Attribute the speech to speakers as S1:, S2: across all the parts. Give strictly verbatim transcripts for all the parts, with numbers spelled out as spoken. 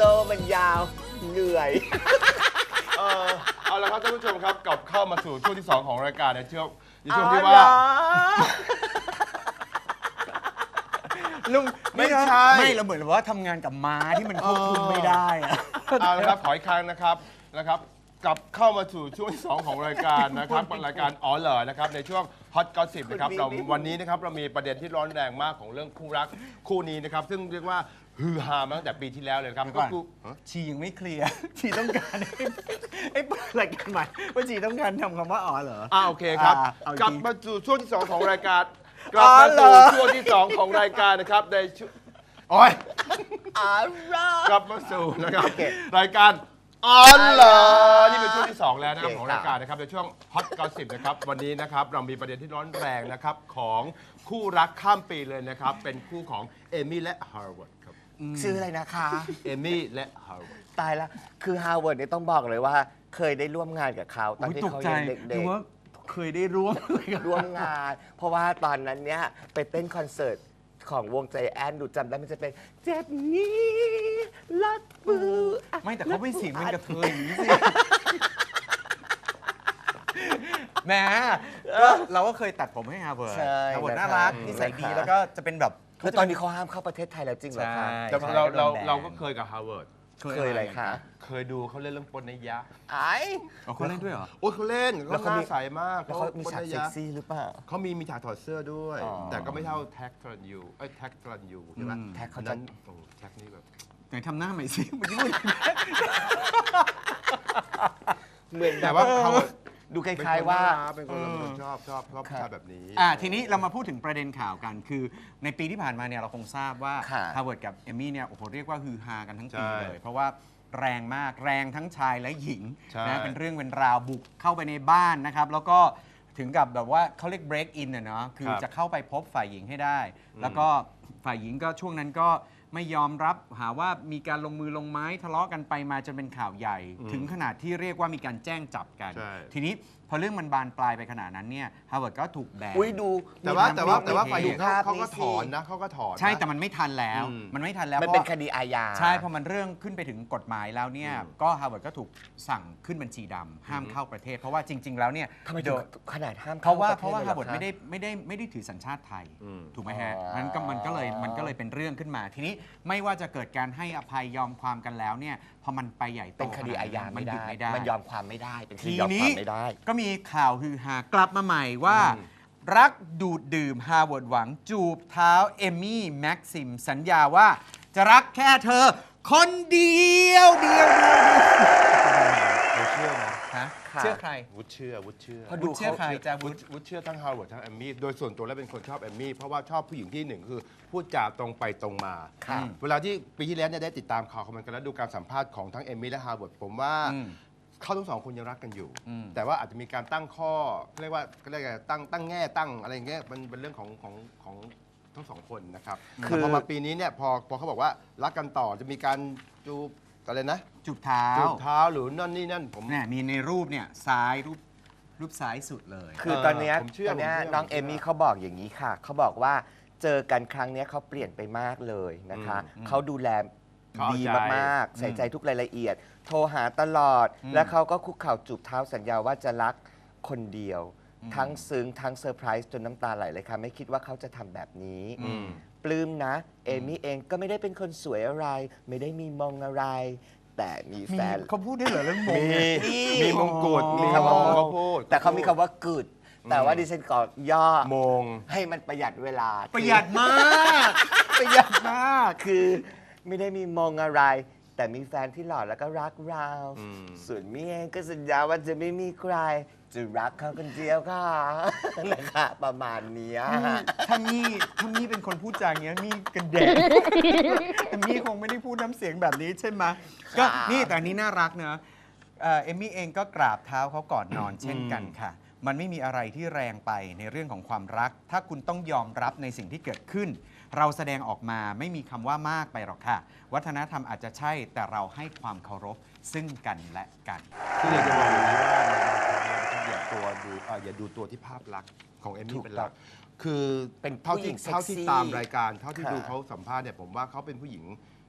S1: ซ่มันยาวเหนื่อย
S2: เออเอาละครับท่านผู้ชมครับกลับเข้ามาสู่ช่วงที่สองของรายการในช่วงในช่วง
S1: อ๋
S2: ที่
S1: อ
S2: ว่า
S1: เหรอ
S3: ลุง
S2: ไม่ใช่
S3: ไม่เราเหมือนว่าทำงานกับม้าที่มันควบคุมไม่ได้อะ
S2: เอาละครับขออีกครั้งนะครับนะครับกลับเข้ามาสู่ช่วงที่สองของรายการนะครับรายการอ๋อเหรอนะครับในช่วงฮอตก็สิบนะครับเราวันนี้นะครับเรามีประเด็นที่ร้อนแรงมากของเรื่องคู่รักคู่นี้นะครับซึ่งเรียกว่าฮือฮามาตั้งแต่ปีที่แล้วเลยครับ
S3: เดี๋
S2: ก็
S3: ยวก่อน
S2: คือฮะ
S3: ชียังไม่เคลียร์ ชีต้องการให้ให้เปิดรายการใหม่ว่าชีต้องการทำคำว่าอ๋อเหรอ
S2: อ่าโอเคครับ
S3: อ่าเอาอีกที
S2: กลับมาสู่ช่วงที่สองของรายการกลับมาสู่ช่วงที่สองของรายการนะครับในช่วงโอ้ย
S1: อ๋อเหรอก
S2: ลับมาสู่นะครับรายการอ๋อเหรอนี่เป็นช่วงที่สองแล้วนะครับของรายการนะครับในช่วงฮอตก็สิบนะครับวันนี้นะครับเรามีประเด็นที่ร้อนแรงนะครับของคู่รักข้ามปีเลยนะครับเป็นคู่ของเอมี่และฮาร์วาร์ดครับ
S1: ชื่ออะไรนะคะ
S2: เอมี่และฮาร์วาร์ด
S1: ตายละคือฮาร์วาร์ดเนี่ยต้องบอกเลยว่า เคยได้ร่วมงานกับเขาตอน
S3: อุ๊ย
S1: ที่
S3: ตก
S1: เขา
S3: ใจ
S1: ยังเด็
S3: ดู
S1: ก
S3: ว่าเคยได้ร่วม
S1: ๆ ร่วมงาน เพราะว่าตอนนั้นเนี่ยไปเต้นคอนเสิร์ตของวงใจแอนดูจำได้มันจะเป็นเจ็บนี้ลัดมืออ่ะ
S3: ไม่แต่เขาไม่เสียงเป็นกระเทยอย่างนี้สิแหมก็เราก็เคยตัดผมให้ฮาร์วาร์ด
S1: ใช่
S3: ฮาร์วาร์ด
S1: นะ
S3: น่ารัก
S1: คะ
S3: นิสัยดี
S1: นะคะ
S3: แล้วก็จะเป็นแบบ
S1: คือตอนนี้เขาห้ามเข้าประเทศไทยแล้วจริงเหรอคะ
S3: ใช่
S2: แต่เราเราเราก็เคยกับฮาร์วาร์ด
S1: เคยอะไรคะ
S2: เคยดูเขาเล่นเรื่องปนนิยะ
S1: ไอ้
S3: อ๋อเขาเล่นด้วยเหรอ
S2: โอ้ยเขาเล่น
S1: แล้
S2: เขา
S1: ว
S2: ห
S1: เขามี
S2: น้าใสมาก
S1: แล้วเขามีฉาก
S2: ปนนิ
S1: เซ็
S2: ยะ
S1: กซี่หรือเปล่า
S2: เขามีมีฉากถอดเสื้อด้วย
S1: อ๋อ
S2: แต่ก็ไม่เท่าแท็กทรันยูเอ้ยแท็กทรันยูใช่ไหม
S3: อืม
S1: แท็กเขา
S2: อัน
S1: จะ
S2: นั้นโอ้แท็กนี่แบบ
S3: ไหนทำหน้าใหม่สิเมื่อกี้พูด
S1: เหมือน
S2: แต่ว่า
S1: แบบ
S2: เขา
S1: ดูคล้ายๆว่า
S2: เป็นคนเป็นคนชอบชอบชอบผู้ชายแบบนี้
S3: อ่าทีนี้เรามาพูดถึงประเด็นข่าวกัน คือในปีที่ผ่านมาเนี่ยเราคงทราบว่า
S1: ค่ะ
S3: ฮาร์วาร์ดกับเอมี่เนี่ยโอ้โหเรียกว่าฮือฮากันทั้งปี
S2: ใช่
S3: เลย เพราะว่าแรงมากแรงทั้งชายและหญิง
S2: ใช่
S3: นะเป็นเรื่องเป็นราวบุกเข้าไปในบ้านนะครับ แล้วก็ถึงกับแบบว่าเขาเรียก break in อะเนาะคือ
S2: ครับ
S3: จะเข้าไปพบฝ่ายหญิงให้ได้
S2: อืม
S3: แล้วก็ฝ่ายหญิงก็ช่วงนั้นก็ไม่ยอมรับหาว่ามีการลงมือลงไม้ทะเลาะกันไปมาจนเป็นข่าวใหญ่ ถึงขนาดที่เรียกว่ามีการแจ้งจับกัน
S2: ใช่
S3: ทีนี้พอเรื่องมันบานปลายไปขนาดนั้นเนี่ยฮาร์วาร์ดก็ถูกแบน
S1: อุ้ยดู
S2: แต่ว่า
S1: มี
S2: แต่ว่า
S1: ภพ
S2: แต่ว่า
S1: มี
S2: ฝ่ายหญิง
S1: ภาพ
S2: เขาก็
S1: สิ
S2: ถอนนะเขาก็ถอนนะ
S3: ใช่แต่มันไม่ทันแล้ว
S2: อืม
S3: มันไม่ทันแล้ว
S1: มัน
S3: เพราะ
S1: เป็นคดีอาญา
S3: ใช่พอมันเรื่องขึ้นไปถึงกฎหมายแล้วเนี่ย
S2: อืม
S3: ก็ฮาร์วาร์ดก็ถูกสั่งขึ้นบัญชีดำห้ามเข้าประเทศ เพราะว่าจริง ๆ แล้วเนี่ย
S1: ทำไม
S3: โด
S1: ถึง
S3: ย
S1: ขนาดห้าม
S3: เพราะว่า
S1: ข้
S3: เพราะว่า
S1: ปทศ
S3: ฮาร์วาร์ด
S1: ลย
S3: ไม่
S1: หอ
S3: ได้
S1: คะ
S3: ไม่ได้ไม่ได้ถือสัญชาติไทย
S2: อืม
S3: ถูกไหมฮะ
S1: อ๋อ
S3: มันก็มันก็เลยมันก็เลยเป็นเรื่องขึ้นมา ทีนี้ไม่ว่าจะเกิดการให้อภัยยอมความกันแล้วเนี่ยพอมันไปใหญ่โต
S1: เป็นคดีอาญา
S3: มั
S1: ไม่
S3: นหยุด
S1: ได้
S3: ไม่ได้
S1: มันยอมความไม่ได้ เป็นคดี
S3: ที
S1: ยอมค
S3: นี้
S1: วามไม่ได้
S3: ก็มีข่าวฮือฮากลับมาใหม่ว่า
S2: อืม
S3: รักดูดดื่มฮาร์วาร์ดหวังจูบเท้าเอมี่แม็กซิมสัญญาว่าจะรักแค่เธอ คนเดียวเดียวเดียวเดียว
S2: เราเชื่อนะ
S3: ฮะ
S1: ค่ะ
S3: เชื่อใคร
S2: วุฒิเชื่อวุฒิเชื่อ
S1: เพราะ
S3: วุฒิเชื่อใครจะ
S2: วุ
S3: วุ
S2: ฒิ
S3: ฒิ
S2: วุฒิเชื่อทั้งฮาร์วาร์ดทั้งแอมมี่โดยส่วนตัวแล้วเป็นคนชอบแอมมี่เพราะว่าชอบผู้หญิงที่หนึ่งคือพูดจาตรงไปตรงมา
S1: ค่ะ
S2: เวลาที่ปีที่แล้วเนี่ยได้ติดตามข่าวของมันกันแล้วดูการสัมภาษณ์ของทั้งเอมมี่และฮาร์วาร์ดผมว่า
S3: อืม
S2: เขาทั้งสองคนยังรักกันอยู่
S3: อืม
S2: แต่ว่าอาจจะมีการตั้งข้อเรียกว่าเรียกอะไรตั้งตั้งแง่ตั้งอะไรอย่างเงี้ยมันเป็นเรื่องของของของทั้งสองคนนะครับ
S1: คือ
S2: แต่พอมาปีนี้เนี่ยพอพอเขาบอกว่ารักกันต่อจะมีการจูบอะไรนะ
S3: จูบเท้า
S2: จูบเท้าหรือนั่นนี่นั่นผม
S3: เนี่ยมีในรูปเนี่ยซ้ายรูปรูปซ้ายสุดเลย
S1: คือตอนเนี้ย
S2: ผมเชื่อ
S1: ตอนเนี้ย
S2: ผมเชื่อ
S1: น้อง
S2: ผมเชื่
S1: เอ
S2: อ
S1: มี่เขาบอกอย่างนี้ค่ะ เขาบอกว่าเจอกันครั้งเนี้ยเขาเปลี่ยนไปมากเลยนะคะ
S3: อืม
S1: เขาดูแล
S2: เขาเอา
S1: ดี
S2: ใจ
S1: มากๆ ใส่ใจทุกรายละเอียด โทรหาตลอด
S3: อืม
S1: และเขาก็คุกเข่าจูบเท้าสัญญาว่าจะรักคนเดียว
S3: อืม
S1: ทั้งซึ้งทั้งเซอร์ไพรส์จนน้ำตาไหลเลยค่ะ ไม่คิดว่าเขาจะทำแบบนี้
S3: อืม
S1: ปลื้มนะ เอมี่เองก็ไม่ได้เป็นคนสวยอะไร ไม่ได้มีมงอะไร แต่มี
S3: มี
S1: แฟน
S3: เขาพูดได้เหรอเรื่องมง
S2: มี
S3: เนี่ย
S2: มีมงกุฎ
S3: อ๋อ
S2: มีคำว่ามงก็พูด
S1: แต่เขามีคำว่า good แต่ว่าดิฉันก็ย่อ
S2: มง
S1: ให้มันประหยัดเวลา
S3: ประหยัดมาก
S1: ประหยัดมาก คือไม่ได้มีมองอะไร แต่มีแฟนที่หล่อแล้วก็รักเรา
S2: อืม
S1: ส่วนมี่เองก็สัญญาว่าจะไม่มีใคร จะรักเขาคนเดียวค่ะ นะคะประมาณเนี้ย
S3: ถ้ามี่ถ้ามี่เป็นคนพูดจาอย่างเงี้ยมี่กันแดดแต่มี่คงไม่ได้พูดน้ำเสียงแบบนี้ใช่ไหมก็นี่แต่อันนี้น่ารักเนอะเอ่อเอมมี่เองก็กราบเท้าเขาก่อนนอนเช่นกันค่ะ มันไม่มีอะไรที่แรงไปในเรื่องของความรัก ถ้าคุณต้องยอมรับในสิ่งที่เกิดขึ้น เราแสดงออกมาไม่มีคำว่ามากไปหรอกค่ะ วัฒนธรรมอาจจะใช่แต่เราให้ความเคารพซึ่งกันและกัน
S2: คืออยากจะบอกอย่างนี้ว่าอย่าตัวดูเอ่ออย่าดูตัวที่ภาพลักษณ์ของเอม
S1: ถู
S2: มี่
S1: ก
S2: เป็นหลัก
S1: ต้อง
S2: คือ
S1: เป็น
S2: เท่า
S1: ผู้หญิ
S2: ที่
S1: งเซ็กซี่
S2: เท่าที่ตามรายการเท่าที่
S1: ค่ะ
S2: ดูเขาสัมภาษณ์เนี่ยผมว่าเขาเป็นผู้หญิง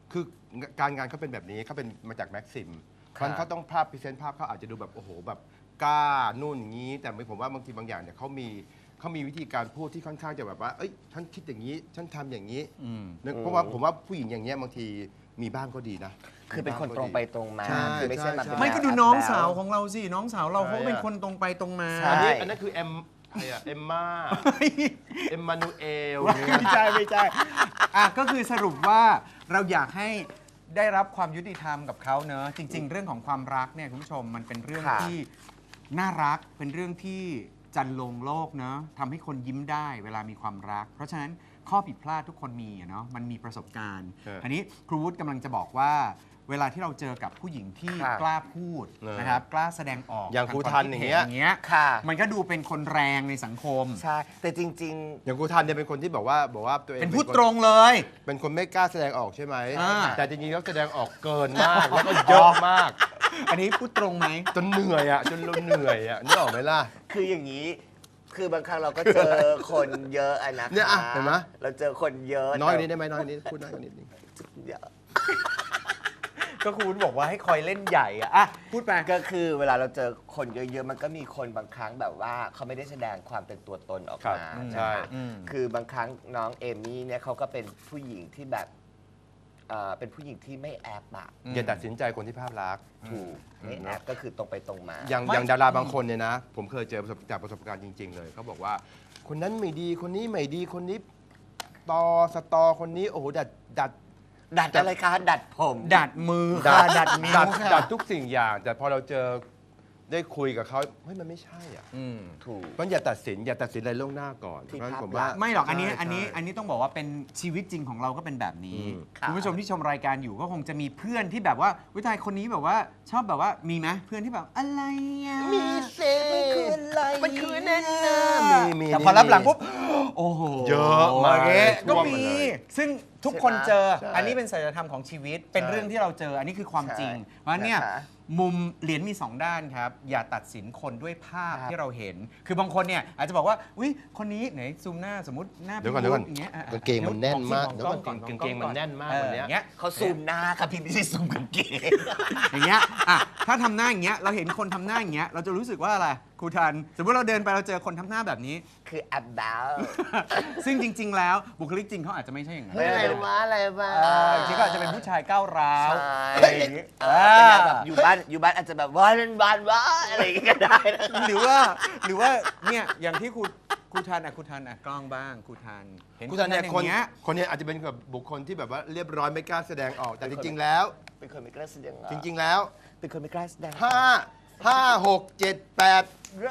S2: คือการงานเขาเป็นแบบนี้เขาเป็นมาจากแม็กซิม
S1: ครับ
S2: มันเขาต้องภาพพรีเซนต์ภาพเขาอาจจะดูแบบโอ้โหแบบกล้านู่นอย่างนี้ แต่ผมว่าบางทีบางอย่างเนี่ยเขามีเขามีวิธีการพูดที่ค่อนข้างจะแบบว่าเอ้ยฉันคิดอย่างนี้ฉันทำอย่างนี้
S3: อืม
S2: นึกเพราะว่าผมว่าผู้หญิงอย่างเงี้ยบางทีมีบ้างก็ดีนะ
S1: คือเป็นคน
S2: มี
S1: ต
S2: บ้า
S1: รง
S2: ก็
S1: ไป
S2: ดี
S1: ตรงมา
S2: ใช่
S1: คือไม่ใช่มา
S2: ใช่
S1: เป็น
S3: ไม่ก็ดู
S1: แบบ
S3: น้อง
S1: แบ๊
S3: สาวของเราสิน้องสาวเราเขาก็เป็นคนตรงไปตรงมา
S1: ใช่
S2: อันนี้อันนั้นคือเอ็มใครอะเอ็มมาเอ็มมานูเอลเนี่ย
S3: ไม่ใช่ไม่ใช่อ่ะก็คือสรุปว่าเราอยากให้ได้รับความยุติธรรมกับเขาเนอะจริง ๆ เรื่องของความรักเนี่ยคุณผู้ชมมันเป็นเรื่อง
S1: ค่ะ
S3: ที่น่ารักเป็นเรื่องที่จันลงโลกเนอะทำให้คนยิ้มได้เวลามีความรัก เพราะฉะนั้นข้อผิดพลาดทุกคนมีอะเนาะมันมีประสบการณ์
S2: เอออั
S3: อันนี้ครูวุฒิกำลังจะบอกว่า เวลาที่เราเจอกับผู้หญิงที่
S1: ค่ะ
S3: กล้าพูด
S2: เออ
S3: นะครับกล้าแสดงออก
S2: อย่าง
S3: ท
S2: ครู
S3: ควม
S2: ทัน
S3: คิด
S2: อย่าง
S3: ห็
S2: เงี้ย
S3: อย่างเงี้ย
S1: ค่ะ
S3: มันก็ดูเป็นคนแรงในสังคม
S1: ใช่ แต่จริง
S2: อย่างครูทันเนี่ยเป็นคนที่บอกว่าบอกว่าตัวเอง
S3: เป็นพูด
S2: ค
S3: ตรงเลย
S2: เป็นคนไม่กล้าแสดงออกใช่ไหม
S3: อ่า
S2: แต่จริงๆแล้วแสดงออกเกินมากแล้วก็เยอะมาก
S3: อันนี้พูดตรงไหม
S2: จนเหนื่อยอ่ะจนเราเหนื่อยอ่ะนึกออกไหมล่ะ
S1: ๆ คืออย่างนี้ คือบางครั้งเราก็เจอคนเยอะอะนะคะ
S2: เนี่ยอะเห็นไหม
S1: เราเจอคนเยอะ
S2: น้อยกว่า
S1: แต่
S2: นี้ได้ไหมน้อยกว่านี้พูดน้อยกว่านี้นิดนึง
S1: เยอะ
S3: ก็ครูวุฒิบอกว่าให้คอยเล่นใหญ่อะอ่ะพูดไป
S1: ก็คือเวลาเราเจอคนเยอะๆ มันก็มีคนบางครั้งแบบว่าเขาไม่ได้แสดงความเป็นตัวตนออก
S2: ครับ
S1: มา
S2: อืม
S1: นะ
S2: ใช่
S1: คะ
S3: อืม
S1: คือบางครั้งน้องเอมี่เนี่ยเขาก็เป็นผู้หญิงที่แบบเอ่อเป็นผู้หญิงที่ไม่แอบอะ
S3: อืม
S2: อย่าตัดสินใจคนที่ภาพลักษณ์
S1: ถูกไม่แอบก็คือตรงไปตรงมา
S2: อย่าง
S3: ไม่
S2: อย่างดาราบางคนเนี่ยนะ ผมเคยเจอประสบจากประสบการณ์จริง ๆ เลยเขาบอกว่า คนนั้นไม่ดีคนนี้ไม่ดีคนนี้ตอสตอคนนี้โอ้โหดัดดัด
S1: ดัดอะไรคะดัดผม
S3: ดัดมือค่ะดัดนิ้ว
S2: ดัด
S3: ค่ะ
S2: ดัดทุกสิ่งอย่าง แต่พอเราเจอได้คุยกับเขาเฮ้ยมันไม่ใช่อ่ะ
S3: อืม
S1: ถูก
S2: มันอย่าตัดสินอย่าตัดสินอะไรล่วงหน้าก่อน
S1: ที่
S2: เพราะฉะนั้น
S1: ภาพ
S2: ผมว่า
S1: ลักษณ์
S3: ไม่หรอกอันนี้
S2: ใช่
S3: อันนี้
S2: ใช่
S3: อันนี้ต้องบอกว่าเป็นชีวิตจริงของเราก็เป็นแบบนี้
S2: อืม
S1: ค่ะ
S3: คุณผู้ชมที่ชมรายการอยู่ก็คงจะมีเพื่อนที่แบบว่าวิทยคนนี้แบบว่าชอบแบบว่ามีไหมเพื่อนที่แบบอะไรอ่ะ
S1: มีสิ
S3: มันคืออะไร
S1: มันคือแน่น
S2: มีมี
S3: แต่พอรับหลังปุ๊บโอ้โห
S2: เยอะมาก
S3: โอเคก็
S2: ท่วม
S3: มี
S2: มาเลย
S3: ซึ่งทุกคนเจอ
S2: ใช่
S3: อันนี้เป็นสัจธรรมของชีวิต เป็น
S2: ใช่
S3: เรื่องที่เราเจอ อันนี้คือความจริง
S1: ใช่
S3: เพราะฉะนั้นเนี่ย
S1: นะคะ
S3: มุมเหรียญมีสองด้านครับ อย่าตัดสินคนด้วยภาพ
S1: ครับ
S3: ที่เราเห็น คือบางคนเนี่ยอาจจะบอกว่าอุ้ยคนนี้ไหนซูมหน้าสมมติหน้า
S2: เดี๋ยวก่อนเดี๋ยวก่อน
S3: างเงี้ยอ่ะ
S2: กางเกงมันแน่นมาก
S3: มอง
S2: เดี๋ยวก่อน
S3: ล้
S2: กางเกงมันแน่นมาก
S3: ออ
S2: วันเนี้ย
S3: อย่างเงี้ย
S1: เขาซูมหน้าค่ะพี่ไม่ใช่ซูมกางเกง
S3: อย่างเงี้ยอ่ะถ้าทำหน้าอย่างเงี้ยเราเห็นคนทำหน้าอย่างเงี้ยเราจะรู้สึกว่าอะไรครูทันสมมติเราเดินไปเราเจอคนทำหน้าแบบนี้
S1: คือ about
S3: ซึ่งจริง ๆ แล้วบุคลิกจริงเขาอาจจะไม่ใช่อย่างนั้น
S1: เฮ้ยอะไรวะอะไรวะ
S3: เออจริงๆก็อาจจะเป็นผู้ชายก้าวร้าว
S1: ใช่
S3: อะไรอย่างงี้
S1: เออเป็นแบบอยู่บ้านอยู่บ้านอาจจะแบบว่าเป็นบ้านว่าอะไรอย่างเงี้ยก็ได้นะ
S3: หรือว่าหรือว่าเนี่ยอย่างที่ครูครูทันอ่ะครูทันอ่ะกล้องบ้างครูทันเห็น
S2: คุณทันเนี่ย
S3: อ
S2: คน
S3: ย่างเงี้ย
S2: คนเนี้อาจจะเป็นแบบบุคคลที่แบบว่าเรียบร้อยไม่กล้าแสดงออกแต่จริง ๆ แล้ว
S1: เป็นคนไม่กล้าแสดงออก
S2: จริง ๆ แล้ว
S1: เป็นคนไม่กล้าแสดงออก
S2: ห้าห้าหกเจ็ดแปด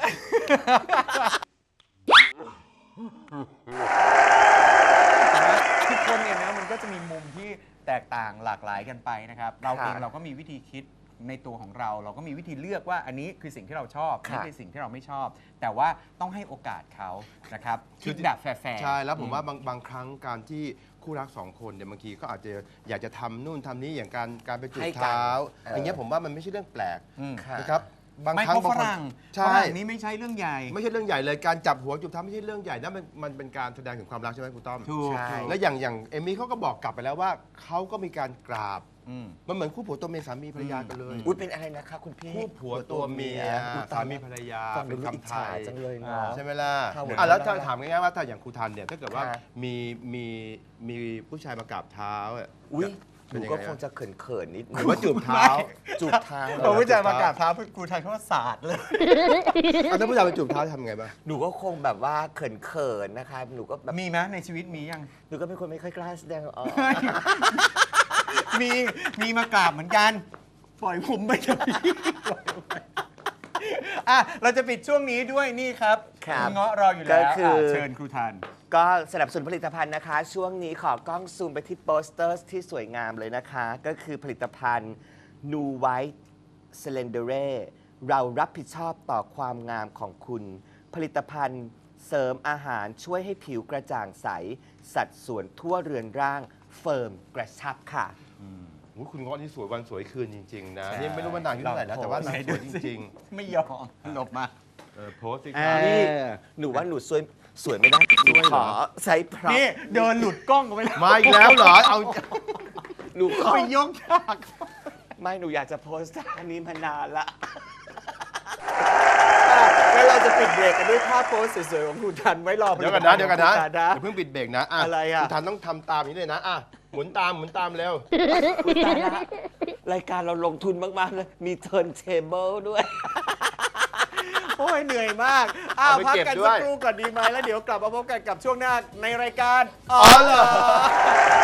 S3: ทุกคนเนี่ยนะมันก็จะมีมุมที่แตกต่างหลากหลายกันไปนะครับ เราเองเราก็มีวิธีคิดในตัวของเรา เราก็มีวิธีเลือกว่าอันนี้คือสิ่งที่เราชอบนี่คือสิ่งที่เราไม่ชอบ แต่ว่าต้องให้โอกาสเขานะครับคิดแบบแฟร์ๆ
S2: ใช่แล้วผมว่าบางบางครั้งการที่คู่รักสองคนเนี่ยบางทีก็อาจจะอยากจะทำนู่นทำนี้อย่างการการไปจูบ
S1: ให้กัน
S2: เท้า
S1: เออ
S2: อ
S1: อ
S2: ย่างเงี้ยผมว่ามันไม่ใช่เรื่องแปลก
S3: อืม
S1: ค่ะ
S2: นะครับบาง
S3: ไม่
S2: ครั้ง
S3: เพราะ
S2: บางคน
S3: ฝรั่ง
S2: ใช่
S3: ฝรั่งนี้ไม่ใช่เรื่องใหญ่
S2: ไม่ใช่เรื่องใหญ่เลยการจับหัวจูบเท้าไม่ใช่เรื่องใหญ่นะมันมันเป็นการแสดงถึงความรักใช่ไหมคุณต้อม
S3: ถูก
S1: ใช่
S2: แล้วอย่างอย่างเอมี่เขาก็บอกกลับไปแล้วว่าเขาก็มีการกราบ
S3: อืม
S2: มันเหมือนคู่ผัวตัวเมียสามีภรรยากันเลย
S1: อุ้ยเป็นอะไรนะคะคุณพี่
S2: คู่ผัวตัวเมีย
S1: อุ๊ยต
S2: สาย มีภรรยา
S1: ฟังดู
S2: เป็น
S1: อิจ
S2: คำไท
S1: ฉาย จังเลยเนาะ
S2: ใช่ไหมล่ะ
S1: ครับผม
S2: อ่ะแล้วถ้าถามง่ายๆว่าถ้าอย่างครูทันเนี่ยถ้าเกิดว่า
S1: ค่ะ
S2: มีมีมีผู้ชายมากราบเท้าอะ
S1: อุ้ยห
S2: เป็น
S1: นู
S2: ยัง
S1: ก็
S2: ไง
S1: คง
S2: อะ
S1: จะเขินๆนิดนึ
S2: ห
S1: ง
S2: รือว่าจูบเท้า
S1: จูบเท้า
S3: พอผู้ชายมากราบเท้าครูทันเขาว่าศาสตร์เลย
S2: อ่ะถ้าผู้ชายไปจูบเท้าทำไงบ้าง
S1: หนูก็คงแบบว่าเขินๆนะคะหนูก็แบบ
S3: มีไหมในชีวิตมียัง
S1: หนูก็เป็นคนไม่ค่อยกล้าแสดงออก
S3: มีมีมากราบเหมือนกัน ปล่อยผมไปเถอะพี่ปล่อยผมไปอ่ะเราจะปิดช่วงนี้ด้วยนี่ครับ
S1: ครับ
S3: ณเงาะรออยู่แล้ว
S1: ก็คืออ่
S3: ะเชิญครูทัน
S1: ก็สนับสนุนผลิตภัณฑ์นะคะ ช่วงนี้ขอกล้องซูมไปที่โปสเตอร์ที่สวยงามเลยนะคะ ก็คือผลิตภัณฑ์ New White Slendere เรารับผิดชอบต่อความงามของคุณ ผลิตภัณฑ์เสริมอาหารช่วยให้ผิวกระจ่างใส สัดส่วนทั่วเรือนร่างเฟิร์มกระชับค่ะ
S2: โอ้ยคุณเงาะนี่สวยวันสวยคืนจริง ๆ นะ
S3: ใช่
S2: นี่ไม่รู้ว่านางอายุเท่าไหร่นะแต่ว่านางสวยจริง
S3: ไม่ยอมหลบมา
S2: ๆเออโพสต์สิค
S1: เอ
S2: รับ
S1: อ นี่หนูว่าหนูสวยสวยไม่ได้หนูขอใช้พร็อพ
S3: นี่เดินหลุดกล้องกันไปแล้ว
S2: มาอีกแล้วเหรอเอา
S1: หนูขอ
S3: ไปยกฉาก
S1: ไม่หนูอยากจะโพสต์ท่านี้มานานละ
S3: แล้วเราจะปิดเบรกกันด้วยภาพโพสสวยๆของคุณทันไว้รอ
S2: เดี๋ยวกันนะเดี๋ยวกันนะ
S3: ผลิตภัณฑ์ของคุณทั
S2: อย่าเพิ่งปิดเบรกนะอ่ะ
S3: อะไรอ่ะ
S2: คุณทันต้องทำตามนี้เลยนะอ่ะหมุนตามหมุนตามเร็ว
S1: อุ๊ยตายละรายการเราลงทุนมาก ๆ เลย มีเทิร์นเทเบิลด้วย
S3: โอ้ยเหนื่อยมาก อ้าว
S2: เอาไป
S3: พัก
S2: เก็บ
S3: กัน
S2: ด้
S3: สั
S2: ว
S3: ก
S2: ย
S3: ครู่ก่อนดีไหมแล้วเดี๋ยวกลับมาพบกันกับช่วงหน้าในรายการ
S2: อ๋อเหรอ